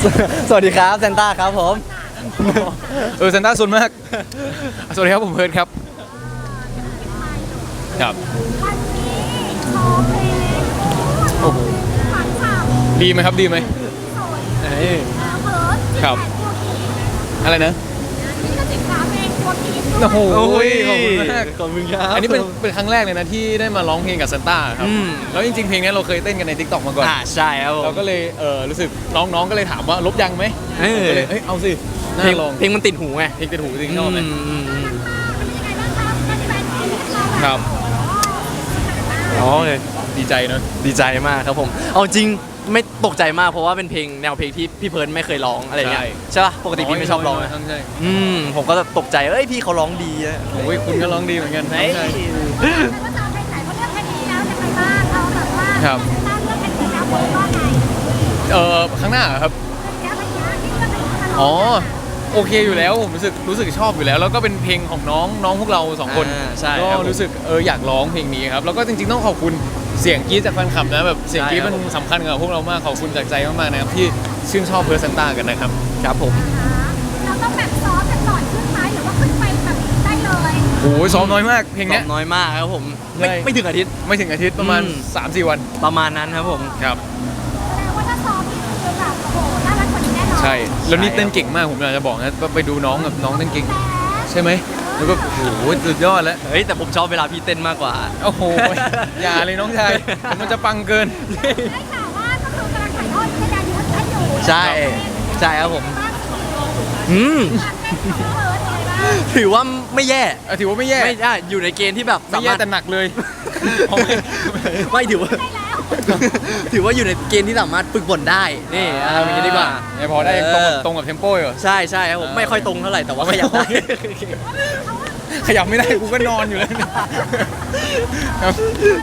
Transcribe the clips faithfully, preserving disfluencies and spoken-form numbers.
สวัสดีครับเซนต้าครับผมเออเซนต้าซุนมากสวัสดีครับผมเพิร์ดครับครับโอ้โหดีไหมครับดีไหมครับอะไรนะโอ้โหขอบคุณมากขอบคุณครับอันนี้เป็นเป็นครั้งแรกเลยนะที่ได้มาร้องเพลงกับเซนต้าครับแล้วจริงๆเพลงนี้เราเคยเต้นกันใน ทิกต็อก มาก่อนอ่าใช่ครับเราก็เลยเออรู้สึกน้องๆก็เลยถามว่าลบยังไหมก็เลยเอ้ยเอาสิน่าลองเพลงมันติดหูไงเพลงติดหูจริงชอบไหมครับอ๋อดีใจเนอะดีใจมากครับผมเอาจริงไม่ตกใจมากเพราะว่าเป็นเพลงแนวเพลงที่พี่เพิร์นไม่เคยร้องอะไรเงี้ยใช่ป่ะปกติพี่ไม่ชอบร้องนะใช่อืมผมก็ตกใจเอ้ยพี่เขาร้องดีนะโอ้ยคุณก็ร้องดีเหมือนกันใช่ครับเออข้างหน้าครับอ๋อโอเคอยู่แล้วผมรู้สึกรู้สึกชอบอยู่แล้วแล้วก็เป็นเพลงของน้องน้องพวกเราสองคนก็รู้สึกเอออยากร้องเพลงนี้ครับแล้วก็จริงๆต้องขอบคุณเสียงกรี๊ดจากแฟนคลับนะแบบเสียงกรี๊ดมันสำคัญกับพวกเรามากขอบคุณจากใจมากๆนะครับที่ชื่นชอบเพิร์ลเซนต้ากันนะครับครับผมเราต้องแบบซ้อมแบบก่อนขึ้นไหมหรือว่าขึ้นไปแบบได้เลยโอ้ยซ้อมน้อยมากเพลงนี้น้อยมากครับผมไม่ไม่ถึงอาทิตย์ไม่ถึงอาทิตย์ประมาณ สามสี่ วันประมาณนั้นครับผมครับแต่ว่าถ้าซ้อมนี่คือแบบโอ้โหน่ารักกว่านี้แน่นอนใช่แล้วนี่เต้นเก่งมากผมอยากจะบอกนะไปดูน้องกับน้องเต้นเก่งใช่ไหมแล้วก็โอ้โหสุดยอดแล้วเฮ้ยแต่ผมชอบเวลาพี่เต้นมากกว่าโอ้โหอย่าเลยน้องชายมันจะปังเกินได้ข่าวว่าก็คือกำลังถ่ายทอดวิทยายุทธ์อยู่ใช่ใช่ครับผมอืมถือว่าไม่แย่ถือว่าไม่แย่ไม่ได้อยู่ในเกณฑ์ที่แบบไม่แย่แต่หนักเลยไม่ถือว่าถือว่าอยู่ในเกณฑ์ที่สามารถฝึกฝนได้นี่เอาอย่างนี้ดีกว่าพอได้ตรงตรงกับเทมโป้อยู่ใช่ใช่ครับผมไม่ค่อยตรงเท่าไหร่แต่ว่าขยับได้ขยับไม่ได้กูก็นอนอยู่แล้วครับ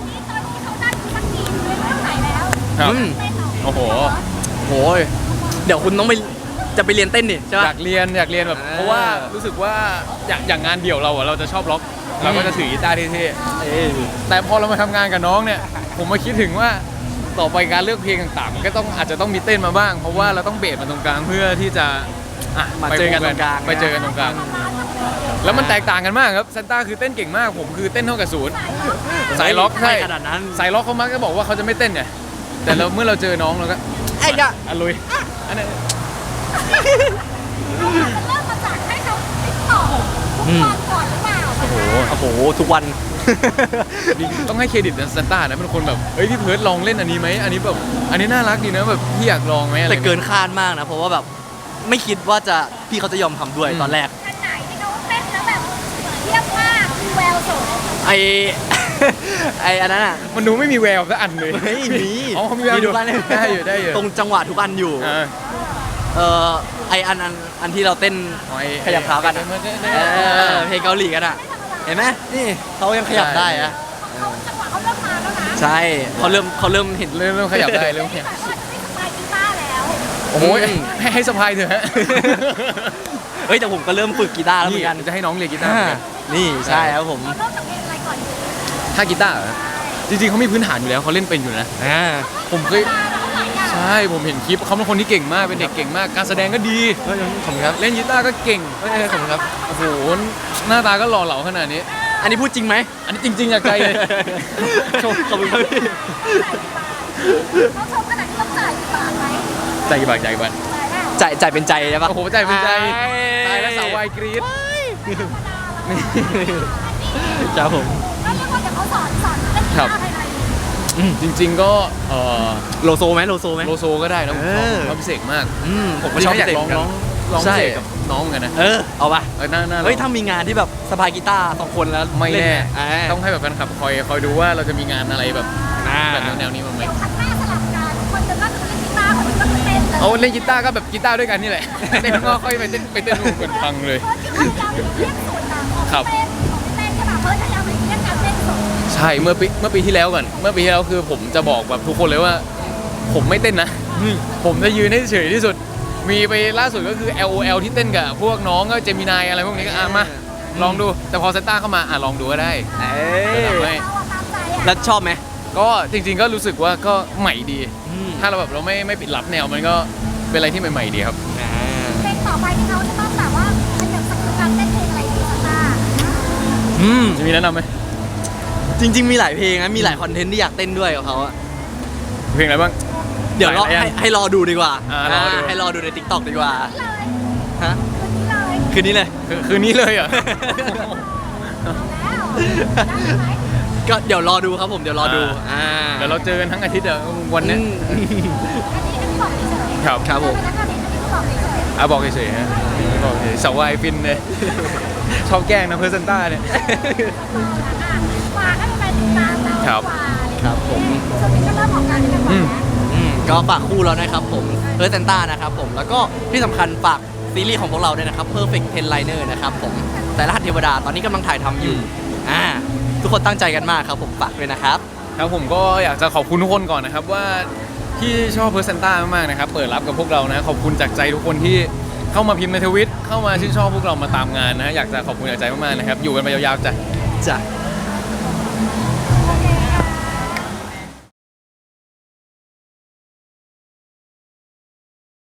ครับโอ้โหโหเดี๋ยวคุณต้องไปจะไปเรียนเต้นนี่ใช่ไหมอยากเรียนอยากเรียนแบบเพราะว่ารู้สึกว่าอย่างอย่างงานเดี่ยวเราอะเราจะชอบล็อกเราก็จะถือกีตาร์เท่ๆแต่พอเรามาทำงานกับน้องเนี่ยผมมาคิดถึงว่าต่อไปการเลือกเพลงต่างๆมันก็ต้องอาจจะต้องมีเต้นมาบ้างเพราะว่าเราต้องเบสมาตรงกลางเพื่อที่จะมาเจอกันตรงกลางไปเจอกันตรงกลางแล้วมันแตกต่างกันมากครับเซนต้าคือเต้นเก่งมากผมคือเต้นเท่ากับศูนย์สายล็อกใช่ขนาดนั้นสายล็อกเขามักจะบอกว่าเขาจะไม่เต้นไงแต่เราเมื่อเราเจอน้องเราก็ไอ้ยะอ่ะลุยอันนั้นเริ่มมาจากให้เขาติดต่อทุกวันก่อนหรือเปล่าโอ้โหโอ้โหทุกวันต้องให้เครดิตนะเซนต้านะเป็นคนแบบเฮ้ยพี่เพิร์ดลองเล่นอันนี้ไหมอันนี้แบบอันนี้น่ารักดีนะแบบพี่อยากลองไหมอะไรแต่เกินคาดมากนะเพราะว่าแบบไม่คิดว่าจะพี่เขาจะยอมทำด้วยตอนแรกอันไหนที่เขาเต้นแล้วแบบเทียบมากมีแววสูงไอไออันนั้นอ่ะมันดูไม่มีแววสักอันเลยไม่มีอ๋อมีแววอยู่ได้อยู่ได้อยู่ตรงจังหวะทุกอันอยู่เออไออันอันอันที่เราเต้นขยับเท้ากันเพลงเกาหลีกันอ่ะเห็นไหมนี่เขายังขยับได้อะจังหวะเขาเริ่มมาแล้วนะใช่เขาเริ่มเขาเริ่มเห็นเริ่มเริ่มขยับได้เริ่มขยับโอ้ยให้ให้สะพายเถอะฮะเฮ้ยแต่ผมก็เริ่มฝึกกีตาร์แล้วเหมือนกันจะให้น้องเรียนกีตาร์นี่ใช่ครับผมเริ่มจากเพลงอะไรก่อนถ้ากีตาร์จริงๆเขามีพื้นฐานอยู่แล้วเขาเล่นเป็นอยู่นะผมเคยใช่ผมเห็นคลิปเขาเป็นคนที่เก่งมากเป็นเด็กเก่งมากการแสดงก็ดีผมครับเล่นกีตาร์ก็เก่งผมครับโอ้โหหน้าตาก็หล่อเหลาขนาดนี้อันนี้พูดจริงไหมอันนี้จริงๆจากใจเลยขอบคุณครับพี่เขาชมขนาดที่ต้องจ่ายกี่บาทไหมจ่ายกี่บาทจ่ายกี่บาทจ่ายจ่ายเป็นใจใช่ปะโอ้โหจ่ายเป็นใจตายแล้วสาววายกรี๊ดครับผมแล้วเรียกว่าเดี๋ยวเขาสอนสอนเล่นกีตาร์ให้ไหมจริงๆก็โลโซไหมโลโซไหมโลโซก็ได้นะผมชอบพิเศษมากผมก็ชอบอยากร้องร้องร้องพิเศษกับน้องกันนะเออเอาปะเออน่าน่าเฮ้ยถ้ามีงานที่แบบสบายกีตาร์สองคนแล้วไม่แน่ต้องให้แบบแฟนคลับคอยคอยดูว่าเราจะมีงานอะไรแบบแบบแนวนี้มั้งไหมคัดหน้าสลับกันคนจะก็คือเล่นกีตาร์คนจะก็คือเต้นเลยเอาเล่นกีตาร์ก็แบบกีตาร์ด้วยกันนี่แหละเต้นก็ค่อยไปเต้นไปเต้นรูกันพังเลยครับเต้นใช่ป่ะเพิร์ดพยายามไปเล่นการเต้นสูงใช่เมื่อปีเมื่อปีที่แล้วก่อนเมื่อปีที่แล้วคือผมจะบอกแบบทุกคนเลยว่าผมไม่เต้นนะผมจะยืนให้เฉยที่สุดมีไปล่าสุดก็คือ แอล โอ แอล ที่เต้นกับพวกน้องก็เจมินายอะไรพวกนี้ก็อ่ะมาลองดูแต่พอเซนต้าเข้ามาอ่ะลองดูก็ได้แล้วชอบไหมก็จริงๆก็รู้สึกว่าก็ใหม่ดีถ้าเราแบบเราไม่ไม่ปิดลับแนวมันก็เป็นอะไรที่ใหม่ๆดีครับเพลงต่อไปที่เขาจะต้องแบบว่าขยับสกิลการเต้นเพลงอะไรดีสักหน้าอืมจะมีแนะนำไหมจริง ๆ มีหลายเพลงนะมีหลายคอนเทนต์ที่อยากเต้นด้วยกับเขาอะเพลงอะไรบ้างเดี๋ยวรอหลายๆอันให้ให้รอดูดีกว่าอ่ารอดูให้รอดูใน ติ๊กต็อก ดีกว่าเลยฮะคืนนี้เลยคืนนี้เลยคือคืนนี้เลยเหรอ่ะแล้วได้ไหมก็เดี๋ยวรอดูครับผมเดี๋ยวรอดูอ่าเดี๋ยวเราเจอกันทั้งอาทิตย์อะวันเนี้ยอืมอันนี้อันนี้บอกเฉยๆครับครับผมอันนี้อันนี้บอกเฉยอ่ะบอกเฉยๆฮะบอกเฉยๆสาววายฟินเลย ชอบแกล้งนะเพอร์เซนต้าเนี่ยๆฝากให้ไปติดตามเราครับครับผมช่วงนี้ก็เริ่มออกงานกันบ่อยแล้วอืมก็ฝากคู่เรานะครับผมเพิร์เซนต้านะครับผมแล้วก็ที่สำคัญฝากซีรีส์ของพวกเราด้วยนะครับ Perfect Ten Liner นะครับผมแต่รหัสเทวดาตอนนี้กำลังถ่ายทำอยู่อ่าทุกคนตั้งใจกันมากครับผมฝากด้วยนะครับครับผมก็อยากจะขอบคุณทุกคนก่อนนะครับว่าที่ชอบเพอร์เซนต้ามากๆนะครับเปิดรับกับพวกเรานะขอบคุณจากใจทุกคนที่เข้ามาพิมพ์ในทวิตเข้ามาชื่นชอบพวกเรามาตามงานนะอยากจะขอบคุณจากใจมากๆนะครับอยู่กันไปยาวๆจ้ะจ้ะ